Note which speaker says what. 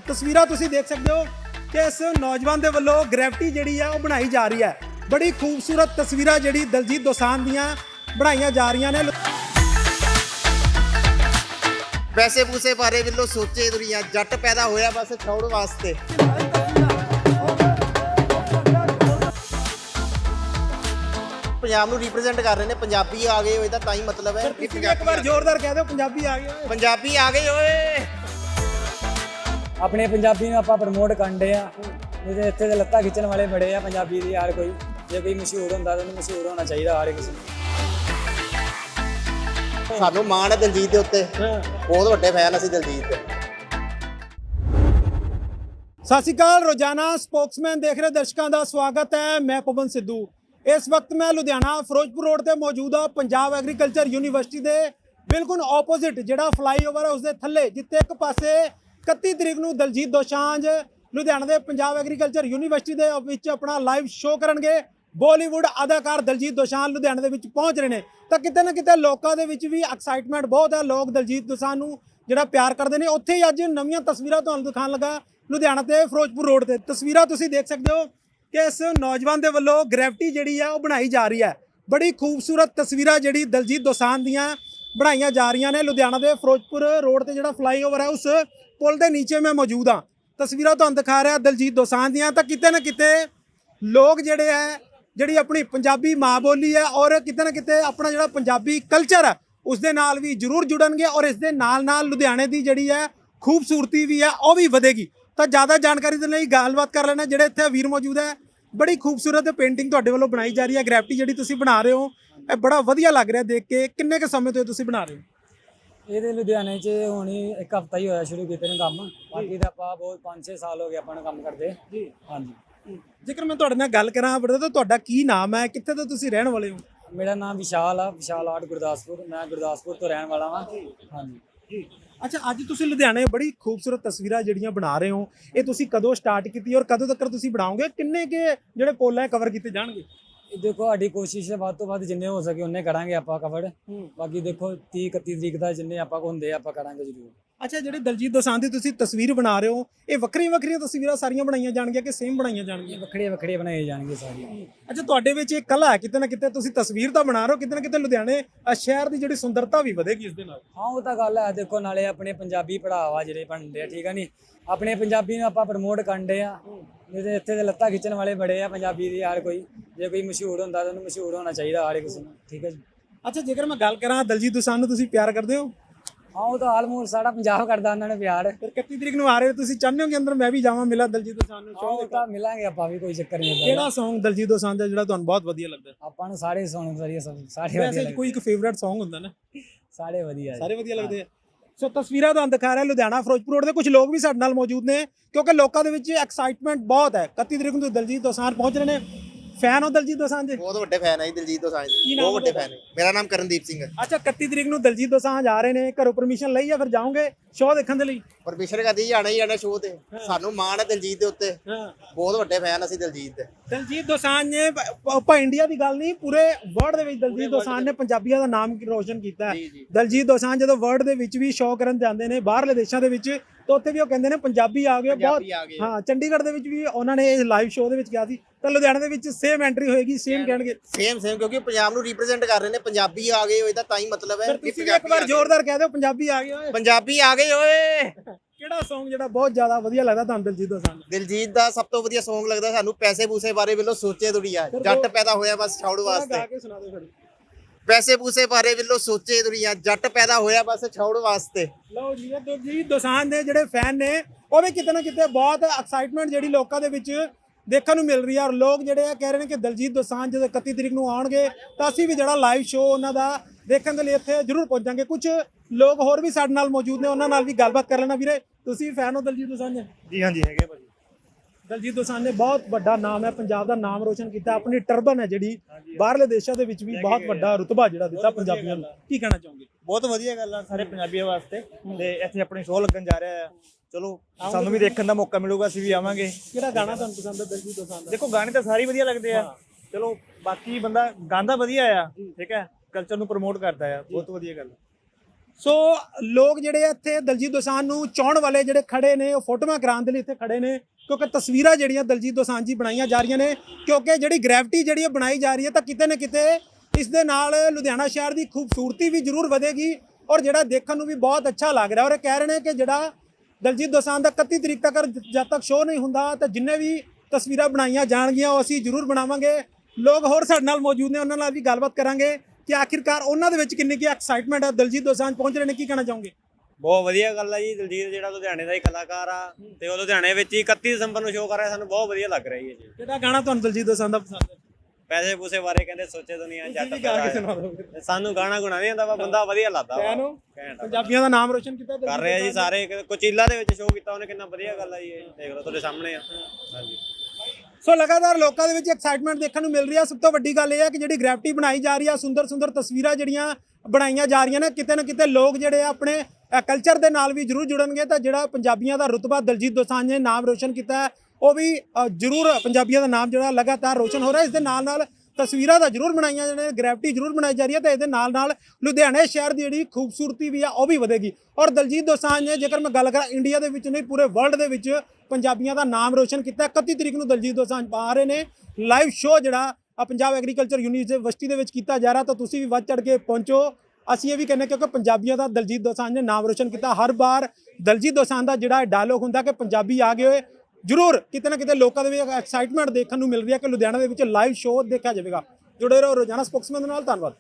Speaker 1: ਤਸਵੀਰਾਂ ਤੁਸੀਂ ਦੇਖ ਸਕਦੇ ਹੋ ਕਿ ਇਸ ਨੌਜਵਾਨ ਦੇ ਵੱਲੋਂ ਗ੍ਰੈਵਿਟੀ ਜਿਹੜੀ ਆ ਉਹ ਬਣਾਈ ਜਾ ਰਹੀ ਹੈ। ਬੜੀ ਖੂਬਸੂਰਤ ਤਸਵੀਰਾਂ ਜਿਹੜੀ ਦਲਜੀਤ ਦੋਸਾਂਝ ਦੀਆਂ ਬਣਾਈਆਂ ਜਾ ਰਹੀਆਂ ਨੇ।
Speaker 2: ਪੈਸੇ ਪੂਸੇ ਬਾਰੇ ਵੱਲੋਂ ਸੋਚੇ ਦੁਨੀਆ ਜੱਟ ਪੈਦਾ ਹੋਇਆ ਬਸ ਛਾਉਣ ਵਾਸਤੇ। ਪੰਜਾਬ ਨੂੰ ਰਿਪਰੈਜ਼ੈਂਟ ਕਰ ਰਹੇ ਨੇ, ਪੰਜਾਬੀ ਆ ਗਏ ਹੋਏ ਤਾਂ ਹੀ ਮਤਲਬ ਹੈ।
Speaker 1: ਇੱਕ ਵਾਰ ਜ਼ੋਰਦਾਰ ਕਹਿ ਦਿਓ ਪੰਜਾਬੀ ਆ ਗਏ ਓਏ।
Speaker 2: ਪੰਜਾਬੀ ਆ ਗਏ ਓਏ।
Speaker 3: ਆਪਣੇ ਪੰਜਾਬੀ ਨੂੰ ਆਪਾਂ ਪ੍ਰਮੋਟ ਕਰਦੇ ਆ। ਜਿਹਦੇ ਇੱਥੇ ਦੇ ਲੱਤਾਂ ਖਿੱਚਣ ਵਾਲੇ ਬੜੇ ਆ ਪੰਜਾਬੀ ਦੀ। ਯਾਰ ਕੋਈ ਜੇ ਕੋਈ ਮਸ਼ਹੂਰ ਹੁੰਦਾ ਤਾਂ ਉਹਨੂੰ ਮਸ਼ਹੂਰ ਹੋਣਾ ਚਾਹੀਦਾ ਹਰ ਕਿਸੇ ਨੂੰ।
Speaker 2: ਸਾਨੂੰ ਮਾਣ ਹੈ ਦਿਲਜੀਤ ਦੇ ਉੱਤੇ, ਬਹੁਤ ਵੱਡੇ ਫੈਨ ਅਸੀਂ ਦਿਲਜੀਤ ਦੇ।
Speaker 1: ਸਤਿ ਸ਼੍ਰੀ ਅਕਾਲ। ਰੋਜ਼ਾਨਾ ਸਪੋਕਸਮੈਨ ਦੇਖ ਰਹੇ ਦਰਸ਼ਕਾਂ ਦਾ ਸਵਾਗਤ ਹੈ। ਮੈਂ ਪਵਨ ਸਿੱਧੂ। ਇਸ ਵਕਤ ਮੈਂ ਲੁਧਿਆਣਾ ਫਿਰੋਜ਼ਪੁਰ ਰੋਡ ਤੇ ਮੌਜੂਦ ਹਾਂ। ਪੰਜਾਬ ਐਗਰੀਕਲਚਰ ਯੂਨੀਵਰਸਿਟੀ ਦੇ ਬਿਲਕੁਲ ਆਪੋਜ਼ਿਟ ਜਿਹੜਾ ਫਲਾਈਓਵਰ ਹੈ ਉਸਦੇ ਥੱਲੇ, ਜਿੱਥੇ ਇੱਕ ਪਾਸੇ 31 ਤਰੀਕ ਨੂੰ ਦਲਜੀਤ ਦੋਸਾਂਝ ਲੁਧਿਆਣਾ ਦੇ ਪੰਜਾਬ ਐਗਰੀਕਲਚਰ ਯੂਨੀਵਰਸਿਟੀ ਦੇ ਵਿੱਚ ਆਪਣਾ ਲਾਈਵ ਸ਼ੋਅ ਕਰਨਗੇ। ਬਾਲੀਵੁੱਡ ਅਦਾਕਾਰ ਦਲਜੀਤ ਦੋਸਾਂਝ ਲੁਧਿਆਣਾ ਦੇ ਵਿੱਚ ਪਹੁੰਚ ਰਹੇ ਨੇ, ਤਾਂ ਕਿਤੇ ਨਾ ਕਿਤੇ ਲੋਕਾਂ ਦੇ ਵਿੱਚ ਵੀ ਐਕਸਾਈਟਮੈਂਟ ਬਹੁਤ ਹੈ। ਲੋਕ ਦਲਜੀਤ ਦੋਸਾਂਝ ਨੂੰ ਜਿਹੜਾ ਪਿਆਰ ਕਰਦੇ ਨੇ। ਉੱਥੇ ਹੀ ਅੱਜ ਨਵੀਆਂ ਤਸਵੀਰਾਂ ਤੁਹਾਨੂੰ ਦਿਖਾਉਣ ਲੱਗਾ ਲੁਧਿਆਣਾ ਤੇ ਫਿਰੋਜ਼ਪੁਰ ਰੋਡ ਤੇ। ਤਸਵੀਰਾਂ ਤੁਸੀਂ ਦੇਖ ਸਕਦੇ ਹੋ ਕਿ ਇਸ ਨੌਜਵਾਨ ਦੇ ਵੱਲੋਂ ਗ੍ਰੈਵਿਟੀ ਜਿਹੜੀ ਆ ਉਹ ਬਣਾਈ ਜਾ ਰਹੀ ਹੈ। ਬੜੀ ਖੂਬਸੂਰਤ ਤਸਵੀਰਾਂ ਜਿਹੜੀ ਦਲਜੀਤ ਦੋਸਾਂਝ ਦੀਆਂ ਬਣਾਈਆਂ ਜਾ ਰਹੀਆਂ ਨੇ। ਲੁਧਿਆਣਾ ਦੇ ਫਿਰੋਜ਼ਪੁਰ ਰੋਡ ਤੇ ਜਿਹੜਾ ਫਲਾਈਓਵਰ ਹੈ ਉਸ ਪੁਲ ਦੇ ਨੀਚੇ ਮੈਂ ਮੌਜੂਦ ਹਾਂ। ਤਸਵੀਰਾਂ ਤੁਹਾਨੂੰ ਦਿਖਾ ਰਿਹਾ ਦਲਜੀਤ ਦੋਸਾਂਝ ਦੀਆਂ। ਤਾਂ ਕਿਤੇ ਨਾ ਕਿਤੇ ਲੋਕ ਜਿਹੜੇ ਹੈ, ਜਿਹੜੀ ਆਪਣੀ ਪੰਜਾਬੀ ਮਾਂ ਬੋਲੀ ਹੈ ਔਰ ਕਿਤੇ ਨਾ ਕਿਤੇ ਆਪਣਾ ਜਿਹੜਾ ਪੰਜਾਬੀ ਕਲਚਰ ਹੈ ਉਸ ਦੇ ਨਾਲ ਵੀ ਜ਼ਰੂਰ ਜੁੜਨਗੇ, ਔਰ ਇਸ ਦੇ ਨਾਲ ਨਾਲ ਲੁਧਿਆਣੇ ਦੀ ਜਿਹੜੀ ਹੈ ਖੂਬਸੂਰਤੀ ਵੀ ਹੈ ਉਹ ਵੀ ਵਧੇਗੀ। ਤਾਂ ਜ਼ਿਆਦਾ ਜਾਣਕਾਰੀ ਦੇ ਲਈ ਗੱਲਬਾਤ ਕਰ ਲੈਣਾ। ਜਿਹੜੇ ਇੱਥੇ ਵੀਰ ਮੌਜੂਦ ਹੈ, ਬੜੀ ਖੂਬਸੂਰਤ ਪੇਂਟਿੰਗ ਤੁਹਾਡੇ ਵੱਲੋਂ ਬਣਾਈ ਜਾ ਰਹੀ ਹੈ। ਗ੍ਰੈਵਿਟੀ ਜਿਹੜੀ ਤੁਸੀਂ ਬਣਾ ਰਹੇ ਹੋ ਇਹ ਬੜਾ ਵਧੀਆ ਲੱਗ ਰਿਹਾ ਦੇਖ ਕੇ। ਕਿੰਨੇ ਕੁ ਸਮੇਂ ਤੋਂ ਤੁਸੀਂ ਬਣਾ ਰਹੇ ਹੋ?
Speaker 3: ਇਹਦੇ ਲੁਧਿਆਣੇ 'ਚ ਹੁਣ ਹੀ ਇੱਕ ਹਫ਼ਤਾ ਹੀ ਹੋਇਆ ਸ਼ੁਰੂ ਕੀਤੇ ਨੇ ਕੰਮ। ਬਾਕੀ ਤਾਂ ਆਪਾਂ ਬਹੁਤ 5-6 ਸਾਲ ਹੋ ਗਏ ਆਪਾਂ ਨੂੰ ਕੰਮ ਕਰਦੇ ਜੀ। ਹਾਂਜੀ।
Speaker 1: ਜੇਕਰ ਮੈਂ ਤੁਹਾਡੇ ਨਾਲ ਗੱਲ ਕਰਾਂ ਬੜਾ, ਤਾਂ ਤੁਹਾਡਾ ਕੀ ਨਾਮ ਹੈ, ਕਿੱਥੇ ਤੋਂ ਤੁਸੀਂ ਰਹਿਣ ਵਾਲੇ ਹੋ?
Speaker 3: ਮੇਰਾ ਨਾਮ ਵਿਸ਼ਾਲ ਆ, ਵਿਸ਼ਾਲ ਆਰਟ ਗੁਰਦਾਸਪੁਰ। ਮੈਂ ਗੁਰਦਾਸਪੁਰ ਤੋਂ ਰਹਿਣ ਵਾਲਾ ਹਾਂ। ਹਾਂਜੀ।
Speaker 1: ਅੱਛਾ, ਅੱਜ ਤੁਸੀਂ ਲੁਧਿਆਣੇ ਬੜੀ ਖੂਬਸੂਰਤ ਤਸਵੀਰਾਂ ਜਿਹੜੀਆਂ ਬਣਾ ਰਹੇ ਹੋ, ਇਹ ਤੁਸੀਂ ਕਦੋਂ ਸਟਾਰਟ ਕੀਤੀ ਔਰ ਕਦੋਂ ਤੱਕ ਤੁਸੀਂ ਬਣਾਓਗੇ? ਕਿੰਨੇ ਕੇ ਜਿਹੜੇ ਪੋਲ ਹੈ ਕਵਰ ਕੀਤੇ ਜਾਣਗੇ?
Speaker 3: ਇਹ ਦੇਖੋ ਸਾਡੀ ਕੋਸ਼ਿਸ਼ ਹੈ ਵੱਧ ਤੋਂ ਵੱਧ ਜਿੰਨੇ ਹੋ ਸਕੇ ਉਹਨੇ ਕਰਾਂਗੇ ਆਪਾਂ ਕਵਰ। ਬਾਕੀ ਦੇਖੋ 30-31 ਤਰੀਕ ਦਾ ਜਿੰਨੇ ਆਪਾਂ ਕੋ ਹੁੰਦੇ ਆਪਾਂ ਕਰਾਂਗੇ ਜ਼ਰੂਰ।
Speaker 1: ਅੱਛਾ, ਜਿਹੜੇ ਦਲਜੀਤ ਦੋਸਾਂਝ ਦੀ ਤੁਸੀਂ ਤਸਵੀਰ ਬਣਾ ਰਹੇ ਹੋ, ਇਹ ਵੱਖਰੀਆਂ ਵੱਖਰੀਆਂ ਤਸਵੀਰਾਂ ਸਾਰੀਆਂ ਬਣਾਈਆਂ ਜਾਣਗੀਆਂ ਕਿ ਸੇਮ ਬਣਾਈਆਂ ਜਾਣਗੀਆਂ?
Speaker 3: ਵੱਖਰੇ ਬਣਾਏ ਜਾਣਗੇ ਸਾਰੀਆਂ।
Speaker 1: ਅੱਛਾ, ਤੁਹਾਡੇ ਵਿੱਚ ਇਹ ਕਲਾ ਹੈ, ਕਿਤੇ ਨਾ ਕਿਤੇ ਤੁਸੀਂ ਤਸਵੀਰ ਤਾਂ ਬਣਾ ਰਹੇ ਹੋ, ਕਿਤੇ ਨਾ ਕਿਤੇ ਲੁਧਿਆਣੇ ਸ਼ਹਿਰ ਦੀ ਜਿਹੜੀ ਸੁੰਦਰਤਾ ਵੀ ਵਧੇਗੀ ਇਸ ਦੇ ਨਾਲ।
Speaker 3: ਹਾਂ ਉਹ ਤਾਂ ਗੱਲ ਹੈ। ਦੇਖੋ ਨਾਲੇ ਆਪਣੇ ਪੰਜਾਬੀ ਪੜਾਵਾ ਜਿਹੜੇ ਬਣਦੇ ਆ, ਠੀਕ ਆ ਨਹੀਂ, ਆਪਣੇ ਪੰਜਾਬੀ ਨੂੰ ਆਪਾਂ ਪ੍ਰਮੋਟ ਕਰਦੇ ਆ। ਜਿਹਦੇ ਇੱਥੇ ਦੇ ਲੱਤਾਂ ਖਿੱਚਣ ਵਾਲੇ ਬੜੇ ਆ ਪੰਜਾਬੀ ਦੀ। ਯਾਰ ਕੋਈ ਜੇ ਕੋਈ ਮਸ਼ਹੂਰ ਹੁੰਦਾ ਤਾਂ ਉਹਨੂੰ ਮਸ਼ਹੂਰ ਹੋਣਾ ਚਾਹੀਦਾ ਹਰ ਕਿਸੇ ਨੂੰ, ਠੀਕ ਹੈ ਜੀ।
Speaker 1: ਅੱਛਾ, ਜੇਕਰ ਮੈਂ ਗੱਲ ਕਰਾਂ ਦਲਜੀਤ ਦੋਸਾਂਝ ਨੂੰ ਤੁਸੀਂ ਪਿਆਰ ਕਰਦੇ ਹੋ?
Speaker 3: ਹਾਂ ਉਹ ਤਾਂ ਆਲਮੋਸਟ ਸਾਡਾ ਪੰਜਾਬ ਕਰਦਾ ਉਹਨਾਂ ਨੇ ਪਿਆਰ।
Speaker 1: ਫਿਰ 31 ਤਰੀਕ ਨੂੰ ਆ ਰਹੇ ਹੋ, ਤੁਸੀਂ ਚਾਹੁੰਦੇ ਹੋ ਕਿ ਅੰਦਰ ਮੈਂ ਵੀ ਜਾਵਾਂ, ਮਿਲਾਂ ਦਲਜੀਤ ਦੋਸਾਂਝ ਨੂੰ?
Speaker 3: ਉਹ ਤਾਂ ਮਿਲਾਂਗੇ ਆਪਾਂ ਵੀ, ਕੋਈ ਚੱਕਰ ਨਹੀਂ।
Speaker 1: ਕਿਹੜਾ Song ਦਲਜੀਤ ਦੋਸਾਂਝ ਦਾ ਜਿਹੜਾ ਤੁਹਾਨੂੰ ਬਹੁਤ ਵਧੀਆ ਲੱਗਦਾ?
Speaker 3: ਆਪਾਂ ਨੂੰ ਸਾਰੇ ਸੌਂਗ ਸਾਰੇ
Speaker 1: ਵੈਸੇ
Speaker 3: ਵਧੀਆ
Speaker 1: ਕੋਈ ਇੱਕ ਫੇਵਰਿਟ Song ਹੁੰਦਾ ਨਾ?
Speaker 3: ਸਾਰੇ ਵਧੀਆ
Speaker 1: ਸਾਰੇ ਵਧੀਆ ਲੱਗਦੇ ਆ। ਸੋ ਤਸਵੀਰਾਂ ਤੁਹਾਨੂੰ ਦਿਖਾ ਰਿਹਾ ਲੁਧਿਆਣਾ ਫਿਰੋਜ਼ਪੁਰ ਰੋਡ ਦੇ। ਕੁਝ ਲੋਕ ਵੀ ਸਾਡੇ ਨਾਲ ਮੌਜੂਦ ਨੇ ਕਿਉਂਕਿ ਲੋਕਾਂ ਦੇ ਵਿੱਚ ਐਕਸਾਈਟਮੈਂਟ ਬਹੁਤ ਹੈ। 31 ਤਰੀਕ ਨੂੰ ਦਲਜੀਤ ਦੋਸਾਂਝ ਪਹੁੰਚ ਰਹੇ ਨੇ। ਫੈਨ ਹੋ ਦਲਜੀਤ ਦੋਸਾਂਝ ਦੇ?
Speaker 2: ਬਹੁਤ ਵੱਡੇ ਫੈਨ ਹੈ ਜੀ ਦਿਲਜੀਤ ਦੋਸਾਂਝ
Speaker 1: ਕੀ
Speaker 2: ਦੇ,
Speaker 1: ਨਾਮ
Speaker 2: ਬਹੁਤ ਵੱਡੇ
Speaker 1: ਤੁਹਾਡਾ?
Speaker 2: ਫੈਨ ਹੈ। ਮੇਰਾ ਨਾਮ ਕਰਨਦੀਪ ਸਿੰਘ ਹੈ।
Speaker 1: ਅੱਛਾ, 31 ਤਰੀਕ ਨੂੰ ਦਲਜੀਤ ਦੋਸਾਂਝ ਆ ਰਹੇ ਨੇ, ਘਰੋਂ ਪਰਮਿਸ਼ਨ ਲਈ ਜਾਂ ਫਿਰ ਜਾਓਗੇ ਸ਼ੋਅ ਦੇਖਣ ਦੇ ਲਈ?
Speaker 2: ਪਰਮਿਸ਼ਨ ਕਰਦੀ ਜਾਣਾ ਹੀ ਜਾਣਾ ਸ਼ੋਅ ਤੇ। ਸਾਨੂੰ ਮਾਣ ਹੈ ਦਿਲਜੀਤ ਦੇ ਉੱਤੇ, ਬਹੁਤ ਵੱਡੇ ਫੈਨ ਅਸੀਂ ਦਿਲਜੀਤ ਦੇ।
Speaker 1: ਦਲਜੀਤ ਦੋਸਾਂਝ ਨੇ ਆਪਾਂ ਇੰਡੀਆ ਦੀ ਗੱਲ ਨਹੀਂ, ਪੂਰੇ ਵਰਲਡ ਦੇ ਵਿੱਚ ਦਲਜੀਤ ਦੋਸਾਂਝ ਨੇ ਪੰਜਾਬੀਆਂ ਦਾ ਨਾਮ ਰੋਸ਼ਨ ਕੀਤਾ ਹੈ। ਦਲਜੀਤ ਦੋਸਾਂਝ ਜਦੋਂ ਵਰਲਡ ਦੇ ਵਿੱਚ ਵੀ ਸ਼ੋਅ ਕਰਨ ਜਾਂਦੇ ਨੇ ਬਾਹਰਲੇ ਦੇਸ਼ਾਂ ਦੇ ਵਿੱਚ, ਤਾਂ ਉੱਥੇ ਵੀ ਉਹ ਕਹਿੰਦੇ ਨੇ ਪੰਜਾਬੀ ਆ ਗਏ ਬਹੁਤ। ਹਾਂ, ਚੰਡੀਗੜ੍ਹ ਦੇ ਵਿੱਚ ਵੀ ਉਹਨਾਂ ਨੇ ਇਹ ਲਾਈਵ ਸ਼ੋਅ ਦੇ ਵਿੱਚ ਕਿਹਾ ਸੀ। ਤਾਂ ਲੁਧਿਆਣਾ ਦੇ ਵਿੱਚ ਸੇਮ ਐਂਟਰੀ ਹੋਏਗੀ, ਸੇਮ ਕਹਿਣਗੇ?
Speaker 2: ਸੇਮ ਕਿਉਂਕਿ ਪੰਜਾਬ ਨੂੰ ਰਿਪਰੈਜ਼ੈਂਟ ਕਰ ਰਹੇ ਨੇ, ਪੰਜਾਬੀ ਆ ਗਏ ਹੋਏ ਤਾਂ ਹੀ ਮਤਲਬ ਹੈ।
Speaker 1: ਤੁਸੀਂ ਵੀ ਇੱਕ ਵਾਰ ਜ਼ੋਰਦਾਰ ਕਹਿ ਦਿਓ ਪੰਜਾਬੀ ਆ ਗਏ ਓਏ।
Speaker 2: ਪੰਜਾਬੀ ਆ ਗਏ ਓਏ।
Speaker 1: ਕਿਹੜਾ Song ਜਿਹੜਾ ਬਹੁਤ ਜ਼ਿਆਦਾ ਵਧੀਆ ਲੱਗਦਾ ਤੁਹਾਨੂੰ ਦਲਜੀਤ ਦੋਸਾਂਝ?
Speaker 2: ਦਿਲਜੀਤ ਦਾ ਸਭ ਤੋਂ ਵਧੀਆ Song ਲੱਗਦਾ ਸਾਨੂੰ ਪੈਸੇ ਪੂਸੇ ਬਾਰੇ ਵੱਲੋਂ ਸੋਚੇ ਦੁਨੀਆ ਜੱਟ ਪੈਦਾ ਹੋਇਆ ਬਸ ਛਾਉਣ ਵਾਸਤੇ।
Speaker 1: ਗਾ ਕੇ ਸੁਣਾ ਦਿਓ ਫਿਰ।
Speaker 2: ਪੈਸੇ ਪੂਸੇ ਬਾਰੇ ਵੱਲੋਂ ਸੋਚੇ ਦੁਨੀਆ ਜੱਟ ਪੈਦਾ ਹੋਇਆ ਬਸ ਛਾਉਣ ਵਾਸਤੇ।
Speaker 1: ਲਓ ਜੀ, ਇਹ ਦਲਜੀਤ ਦੋਸਾਂਝ ਦੇ ਜਿਹੜੇ ਫੈਨ ਨੇ ਉਹ ਵੀ ਕਿਤੇ ਨਾ ਕਿਤੇ ਬਹੁਤ ਐਕਸਾਈਟਮੈਂਟ ਜਿਹੜੀ ਲੋਕਾਂ ਦੇ ਵਿੱਚ ਦੇਖਣ ਨੂੰ ਮਿਲ ਰਹੀ ਹੈ। ਔਰ ਲੋਕ ਜਿਹੜੇ ਆ ਕਹਿ ਰਹੇ ਨੇ ਕਿ ਦਲਜੀਤ ਦੋਸਾਂਝ ਜਦੋਂ 31 ਤਰੀਕ ਨੂੰ ਆਉਣਗੇ ਤਾਂ ਅਸੀਂ ਵੀ ਜਿਹੜਾ ਲਾਈਵ ਸ਼ੋਅ ਉਹਨਾਂ ਦਾ ਦੇਖਣ ਦੇ ਲਈ ਇੱਥੇ ਜ਼ਰੂਰ ਪਹੁੰਚਾਂਗੇ। ਕੁਝ ਲੋਕ ਹੋਰ ਵੀ ਸਾਡੇ ਨਾਲ ਮੌਜੂਦ ਨੇ, ਉਹਨਾਂ ਨਾਲ ਵੀ ਗੱਲਬਾਤ ਕਰ ਲੈਣਾ। ਵੀਰੇ, ਤੁਸੀਂ ਫੈਨ ਹੋ ਦਲਜੀਤ ਦੋਸਾਂਝ ਦੇ?
Speaker 4: ਜੀ ਹਾਂਜੀ ਹੈਗੇ ਭਾਜੀ।
Speaker 1: ਦਲਜੀਤ ਦੋਸਾਂਝ ਨੇ ਬਹੁਤ ਵੱਡਾ ਨਾਮ ਹੈ, ਪੰਜਾਬ ਦਾ ਨਾਮ ਰੋਸ਼ਨ ਕੀਤਾ। ਆਪਣੀ ਟਰਬਨ ਹੈ ਜਿਹੜੀ ਬਾਹਰਲੇ ਦੇਸ਼ਾਂ ਦੇ ਵਿੱਚ ਵੀ ਬਹੁਤ ਵੱਡਾ ਰੁਤਬਾ ਜਿਹੜਾ ਦਿੱਤਾ ਪੰਜਾਬੀਆਂ ਨੂੰ। ਕੀ ਕਹਿਣਾ ਚਾਹੋਗੇ?
Speaker 4: ਬਹੁਤ ਵਧੀਆ ਗੱਲ ਆ ਸਾਰੇ ਪੰਜਾਬੀਆਂ ਵਾਸਤੇ। ਤੇ ਇੱਥੇ ਆਪਣੀ ਸ਼ੋਅ ਲੱਗਣ ਜਾ ਰਿਹਾ ਆ, ਚਲੋ ਸਾਨੂੰ ਵੀ ਦੇਖਣ ਦਾ ਮੌਕਾ ਮਿਲੂਗਾ, ਅਸੀਂ ਵੀ ਆਵਾਂਗੇ।
Speaker 1: ਕਿਹੜਾ ਗਾਣਾ ਤੁਹਾਨੂੰ ਪਸੰਦ ਹੈ ਦਲਜੀਤ ਦੋਸਾਂਝ ਦਾ?
Speaker 4: ਦੇਖੋ ਗਾਣੇ ਤਾਂ ਸਾਰੇ ਵਧੀਆ ਲੱਗਦੇ ਆ, ਚਲੋ ਬਾਕੀ ਬੰਦਾ ਗਾਉਂਦਾ ਵਧੀਆ ਆ, ਠੀਕ ਹੈ, ਕਲਚਰ ਨੂੰ ਪ੍ਰਮੋਟ ਕਰਦਾ ਆ, ਬਹੁਤ ਵਧੀਆ ਗੱਲ।
Speaker 1: ਸੋ ਲੋਕ ਜਿਹੜੇ ਆ ਇੱਥੇ ਦਲਜੀਤ ਦੋਸਾਂਝ ਨੂੰ ਚਾਹਣ ਵਾਲੇ ਜਿਹੜੇ ਖੜੇ ਨੇ ਉਹ ਫੋਟੋਆਂ ਕਰਾਉਣ ਦੇ ਲਈ ਇੱਥੇ ਖੜੇ ਨੇ, ਕਿਉਂਕਿ ਤਸਵੀਰਾਂ ਜਿਹੜੀਆਂ ਦਲਜੀਤ ਦੋਸਾਂਝ ਜੀ ਬਣਾਈਆਂ ਜਾ ਰਹੀਆਂ ਨੇ, ਕਿਉਂਕਿ ਜਿਹੜੀ ਗ੍ਰੈਵਿਟੀ ਜਿਹੜੀ ਇਹ ਬਣਾਈ ਜਾ ਰਹੀ ਹੈ ਤਾਂ ਕਿਤੇ ਨਾ ਕਿਤੇ ਇਸ ਦੇ ਨਾਲ ਲੁਧਿਆਣਾ ਸ਼ਹਿਰ ਦੀ ਖੂਬਸੂਰਤੀ ਵੀ ਜ਼ਰੂਰ ਵਧੇਗੀ ਔਰ ਜਿਹੜਾ ਦੇਖਣ ਨੂੰ ਵੀ ਬਹੁਤ ਅੱਛਾ ਲੱਗ ਰਿਹਾ। ਔਰ ਇਹ ਕਹਿ ਰਹੇ ਨੇ ਕਿ ਜਿਹੜਾ ਦਲਜੀਤ ਦੋਸਾਂਝ ਦਾ 31 ਤਰੀਕ ਤੱਕ ਜਦ ਤੱਕ ਸ਼ੋਅ ਨਹੀਂ ਹੁੰਦਾ ਤਾਂ ਜਿੰਨੇ ਵੀ ਤਸਵੀਰਾਂ ਬਣਾਈਆਂ ਜਾਣਗੀਆਂ ਉਹ ਅਸੀਂ ਜ਼ਰੂਰ ਬਣਾਵਾਂਗੇ। ਲੋਕ ਹੋਰ ਸਾਡੇ ਨਾਲ ਮੌਜੂਦ ਨੇ, ਉਹਨਾਂ ਨਾਲ ਵੀ ਗੱਲਬਾਤ ਕਰਾਂਗੇ ਕਿ ਆਖਿਰਕਾਰ ਉਹਨਾਂ ਦੇ ਵਿੱਚ ਕਿੰਨੀ ਕੀ ਐਕਸਾਈਟਮੈਂਟ ਹੈ। ਦਲਜੀਤ ਦੋਸਾਂਝ ਪਹੁੰਚ ਰਹੇ ਨੇ, ਕੀ ਕਹਿਣਾ ਚਾਹੋਗੇ?
Speaker 5: ਬਹੁਤ ਵਧੀਆ ਗੱਲ ਆ ਜੀ। ਦਲਜੀਤ ਜਿਹੜਾ ਲੁਧਿਆਣੇ ਦਾ ਹੀ ਕਲਾਕਾਰ ਆ ਤੇ ਉਹ ਲੁਧਿਆਣੇ ਵਿੱਚ ਹੀ 31 ਦਸੰਬਰ ਨੂੰ ਸ਼ੋਅ ਕਰ ਰਿਹਾ, ਸਾਨੂੰ ਬਹੁਤ ਵਧੀਆ ਲੱਗ ਰਿਹਾ ਜੀ।
Speaker 1: ਕਿਹੜਾ ਗਾਣਾ ਤੁਹਾਨੂੰ ਦਲਜੀਤ ਦੋਸਾਂਝ ਦਾ ਪਸੰਦ ਹੈ?
Speaker 5: ਪੈਸੇ ਪੂਸੇ ਬਾਰੇ ਕਹਿੰਦੇ ਸੋਚੇ ਦੁਨੀਆ ਜੱਟ
Speaker 1: ਤੁਸੀਂ ਗਾ ਕੇ ਸੁਣਾ ਦਿਓ।
Speaker 5: ਸਾਨੂੰ ਗਾਣਾ ਗੁਣਾ ਨਹੀਂ ਆਉਂਦਾ, ਵਾ ਬੰਦਾ ਵਧੀਆ ਲੱਗਦਾ ਵਾ। ਘੈਂਟ ਆ।
Speaker 1: ਪੰਜਾਬੀਆਂ ਦਾ ਨਾਮ ਰੋਸ਼ਨ ਕੀਤਾ
Speaker 5: ਕਰ ਰਿਹਾ ਜੀ ਸਾਰੇ। ਕੋਚੀਲਾ ਦੇ ਵਿੱਚ ਸ਼ੋਅ ਕੀਤਾ ਉਹਨੇ, ਕਿੰਨਾ ਵਧੀਆ ਗੱਲ ਆ ਜੀ। ਇਹ ਦੇਖ ਲਓ ਤੁਹਾਡੇ ਸਾਹਮਣੇ ਆ। ਹਾਂਜੀ
Speaker 1: ਸੋ ਲਗਾਤਾਰ ਲੋਕਾਂ ਦੇ ਵਿੱਚ ਐਕਸਾਈਟਮੈਂਟ ਦੇਖਣ ਨੂੰ ਮਿਲ ਰਹੀ ਹੈ। ਸਭ ਤੋਂ ਵੱਡੀ ਗੱਲ ਇਹ ਹੈ ਕਿ ਜਿਹੜੀ ਗ੍ਰੈਵਿਟੀ ਬਣਾਈ ਜਾ ਰਹੀ ਹੈ, ਸੁੰਦਰ ਸੁੰਦਰ ਤਸਵੀਰਾਂ ਜਿਹੜੀਆਂ ਬਣਾਈਆਂ ਜਾ ਰਹੀਆਂ ਨੇ, ਕਿਤੇ ਨਾ ਕਿਤੇ ਲੋਕ ਜਿਹੜੇ ਆ ਆਪਣੇ ਕਲਚਰ ਦੇ ਨਾਲ ਵੀ ਜ਼ਰੂਰ ਜੁੜਨਗੇ। ਤਾਂ ਜਿਹੜਾ ਪੰਜਾਬੀਆਂ ਦਾ ਰੁਤਬਾ ਦਲਜੀਤ ਦੋਸਾਂਝ ਨੇ ਨਾਮ ਰੋਸ਼ਨ ਕੀਤਾ ਹੈ, ਉਹ ਵੀ ਜ਼ਰੂਰ ਪੰਜਾਬੀਆਂ ਦਾ ਨਾਮ ਜਿਹੜਾ ਲਗਾਤਾਰ ਰੋਸ਼ਨ ਹੋ ਰਿਹਾ। ਇਸ ਦੇ ਨਾਲ ਨਾਲ ਤਸਵੀਰਾਂ ਤਾਂ ਜ਼ਰੂਰ ਬਣਾਈਆਂ ਜਾਣੀਆਂ, ਗ੍ਰੈਵਿਟੀ ਜ਼ਰੂਰ ਬਣਾਈ ਜਾ ਰਹੀ ਹੈ ਤੇ ਇਹਦੇ ਨਾਲ ਨਾਲ ਲੁਧਿਆਣੇ ਸ਼ਹਿਰ ਦੀ ਜਿਹੜੀ ਖੂਬਸੂਰਤੀ ਵੀ ਆ ਉਹ ਵੀ ਵਧੇਗੀ। ਔਰ ਦਲਜੀਤ ਦੋਸਾਂਝ ਨੇ, ਜੇਕਰ ਮੈਂ ਗੱਲ ਕਰਾਂ ਇੰਡੀਆ ਦੇ ਵਿੱਚ ਨਹੀਂ ਪੂਰੇ ਵਰਲਡ ਦੇ ਵਿੱਚ ਪੰਜਾਬੀਆਂ ਦਾ ਨਾਮ ਰੋਸ਼ਨ ਕੀਤਾ। 31 ਤਰੀਕ ਨੂੰ ਦਲਜੀਤ ਦੋਸਾਂਝ ਆ ਰਹੇ ਨੇ। ਲਾਈਵ ਸ਼ੋਅ ਜਿਹੜਾ ਪੰਜਾਬ ਐਗਰੀਕਲਚਰ ਯੂਨੀਵਰਸਿਟੀ ਦੇ ਵਿੱਚ ਕੀਤਾ ਜਾ ਰਿਹਾ, ਤਾਂ ਤੁਸੀਂ ਵੀ ਵੱਧ ਚੜ ਕੇ ਪਹੁੰਚੋ। ਅਸੀਂ ਇਹ ਵੀ ਕਹਿੰਦੇ ਕਿਉਂਕਿ ਪੰਜਾਬੀਆਂ ਦਾ ਦਲਜੀਤ ਦੋਸਾਂਝ ਨੇ ਨਾਮ ਰੋਸ਼ਨ ਕੀਤਾ। ਹਰ ਵਾਰ ਦਲਜੀਤ ਦੋਸਾਂਝ ਦਾ ਜਿਹੜਾ ਡਾਇਲੋਗ ਹੁੰਦਾ ਕਿ ਪੰਜਾਬੀ ਆ ਗਏ ਹੋਏ, ਜ਼ਰੂਰ ਕਿਤੇ ਨਾ ਕਿਤੇ ਲੋਕਾਂ ਦੇ ਵਿੱਚ ਐਕਸਾਈਟਮੈਂਟ ਦੇਖਣ ਨੂੰ ਮਿਲ ਰਹੀ ਹੈ ਕਿ ਲੁਧਿਆਣਾ ਦੇ ਵਿੱਚ ਲਾਈਵ ਸ਼ੋਅ ਦੇਖਿਆ ਜਾਵੇਗਾ। ਜੁੜੇ ਰਹੋ ਰੋਜ਼ਾਨਾ ਸਪੋਕਸਮੈਨ ਦੇ ਨਾਲ। ਧੰਨਵਾਦ।